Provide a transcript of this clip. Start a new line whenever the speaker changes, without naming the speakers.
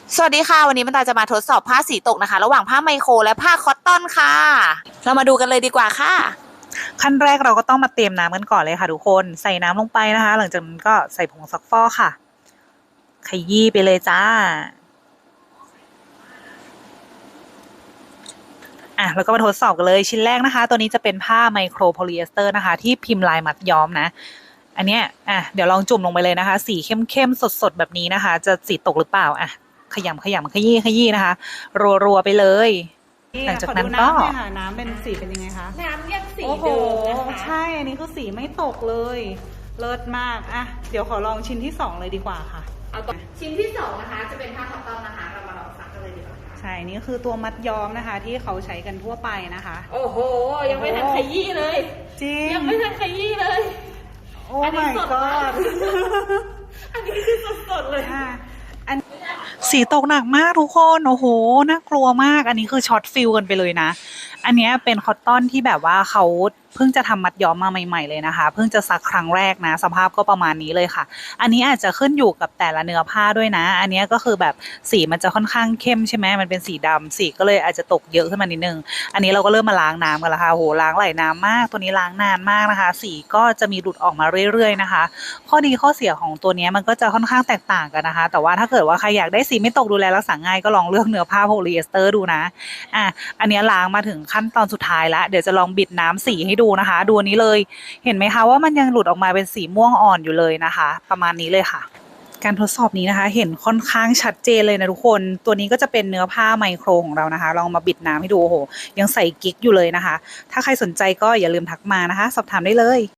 สวัสดีค่ะวันนี้มันตาจะมาทดสอบผ้าสีตกนะคะระหว่างผ้าไมโครและผ้าคอตตอนค่ะเรามาดูกันเลยดีกว่าค่ะขั้นแรกเราก็ต้องมาเตรียมน้ำกันก่อนเลยค่ะทุกคนใส่น้ำลงไปนะคะ หลังจากนั้นก็ใส่ผงซักฟอกค่ะขยี้ไปเลยจ้าแล้วก็มาทดสอบกันเลยชิ้นแรกนะคะตัวนี้จะเป็นผ้าไมโครโพลีเอสเตอร์นะคะที่พิมพ์ลายมัดย้อมนะอันเนี้ยเดี๋ยวลองจุ่มลงไปเลยนะคะสีเข้มๆสดๆแบบนี้นะคะจะสีตกหรือเปล่าขยำขยี้นะคะรัวๆไปเลยหลังจากนั้นก็
น้ำเป็นสีเป็นยังไงคะ
น้ำยังสี
เดิมนะคะใช่อันนี้คือสีไม่ตกเลยเลิศมากเดี๋ยวขอลองชิ้นที่2เลยดีกว่าค่ะ
เอาตัวชิ้นที่2นะคะจะเป็นผ้าคอตตอนนะคะเรามาลองซักกันเลยดีกว่า
ใช่นี่คือตัวมัดย้อมนะคะที่เขาใช้กันทั่วไปนะคะ
โอ้โหยังไม่ทันขยี้เลย
จริง
ยังไม่ทันขยี้เลย
โอ้ my god
อันนี้คือสดๆเลย
สีตกหนักมากทุกคนโอ้โหน่ากลัวมากอันนี้คือช็อตฟิลกันไปเลยนะอันนี้เป็นคอตตอนที่แบบว่าเขาเพิ่งจะทำมัดย้อมมาใหม่ๆเลยนะคะเพิ่งจะซักครั้งแรกนะสภาพก็ประมาณนี้เลยค่ะอันนี้อาจจะขึ้นอยู่กับแต่ละเนื้อผ้าด้วยนะอันนี้ก็คือแบบสีมันจะค่อนข้างเข้มใช่ไหมมันเป็นสีดำสีก็เลยอาจจะตกเยอะขึ้นมานิดนึงอันนี้เราก็เริ่มมาล้างน้ำกันแล้วค่ะโหล้างหลายน้ำมากตัวนี้ล้างนานมากนะคะสีก็จะมีหลุดออกมาเรื่อยๆนะคะข้อดีข้อเสียของตัวนี้มันก็จะค่อนข้างแตกต่างกันนะคะแต่ว่าถ้าเกิดว่าใครอยากได้สีไม่ตกดูแลรักษาง่ายก็ลองเลือกเนื้อผ้าโพลีเอสเตอร์ดูนะอันนี้ล้างมาถึงขั้นตอนสุดท้ายแล้วเดี๋ยวจะลองบิดน้ำสีให้ดูนะคะดูนี้เลยเห็นไหมคะว่ามันยังหลุดออกมาเป็นสีม่วงอ่อนอยู่เลยนะคะประมาณนี้เลยค่ะการทดสอบนี้นะคะเห็นค่อนข้างชัดเจนเลยนะทุกคนตัวนี้ก็จะเป็นเนื้อผ้าไมโครของเรานะคะลองมาบิดน้ำให้ดูโอ้โหยังใส่กิ๊กอยู่เลยนะคะถ้าใครสนใจก็อย่าลืมทักมานะคะสอบถามได้เลย